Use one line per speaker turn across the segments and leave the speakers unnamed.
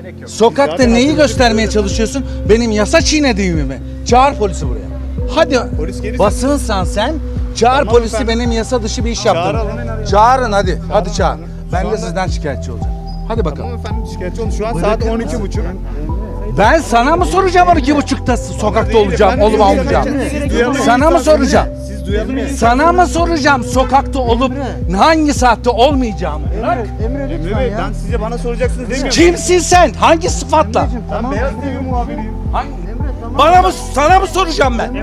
Sokakta neyi göstermeye çalışıyorsun? Benim yasa çiğnediğimi mi? Çağır polisi buraya. Hadi
Polis gelirse-
basınsan sen çağır
Tamam
polisi,
efendim.
benim yasa dışı bir iş yaptım.
Çağıralım.
Çağırın hadi. Hadi çağır. Ben
Şu
de
anda-
sizden şikayetçi olacağım. Hadi bakalım.
Tamam efendim, şikayetçi olun. Şu an saat 12.30.
Ben sana mı soracağım 12.30'da sokakta
Değil
olacağım,
efendim,
olup
siz
olmayacağım?
duyalım.
Sana mı soracağım?
Siz duyalım mı?
Sana mı soracağım sokakta olup hangi saatte olmayacağımı?
Emre Bey, ben size bana soracaksınız demiyorum.
Kimsin sen? Hangi sıfatla?
Ben Beyaz TV muhabiriyim.
Bana mı, sana mı soracağım ben?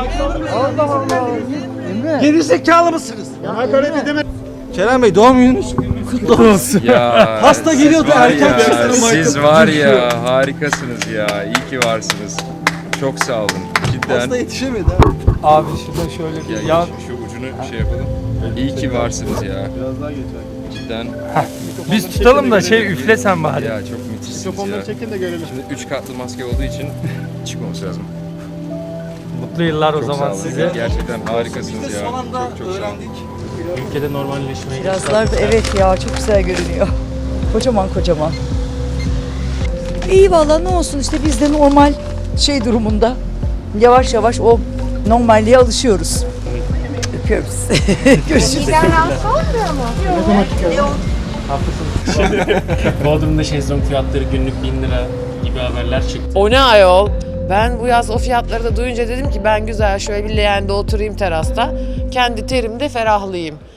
Geri zekalı mısınız?
Hakaret edemem.
Kerem Bey, doğum gününüz kutlu olsun.
Ya
Hasta
siz
geliyordu,
var
erken
ya,
çıktı.
Siz var ya harikasınız ya. İyi ki varsınız. Çok sağ olun. Cidden.
yetişemedi
Abi şurada şöyle bir
Ya şu ucunu şey yapalım. İyi ki varsınız ya. Cidden.
biz tutalım da üfle sen bari.
Ya çok müthişsiniz ya.
Çekin de görelim.
Şimdi 3 katlı maske olduğu için çıkmaması lazım.
Mutlu yıllar o
Çok sağ
zaman
olun.
size.
Gerçekten harikasınız ya.
Son anda
Çok sağ olun.
öğrendik.
Ülkede normalleşmeye
Kirazlar da evet ya çok güzel görünüyor. Kocaman kocaman. İyi valla ne olsun işte biz de normal durumunda yavaş yavaş o normalliğe alışıyoruz. Öpüyorum sizi. Görüşürüz.
Bodrum'da şezlong fiyatları günlük 1000 lira gibi haberler çıktı.
O ne ayol? Ben bu yaz o fiyatları da duyunca dedim ki ben güzel şöyle bir leğende oturayım terasta. Kendi terimde ferahlayayım.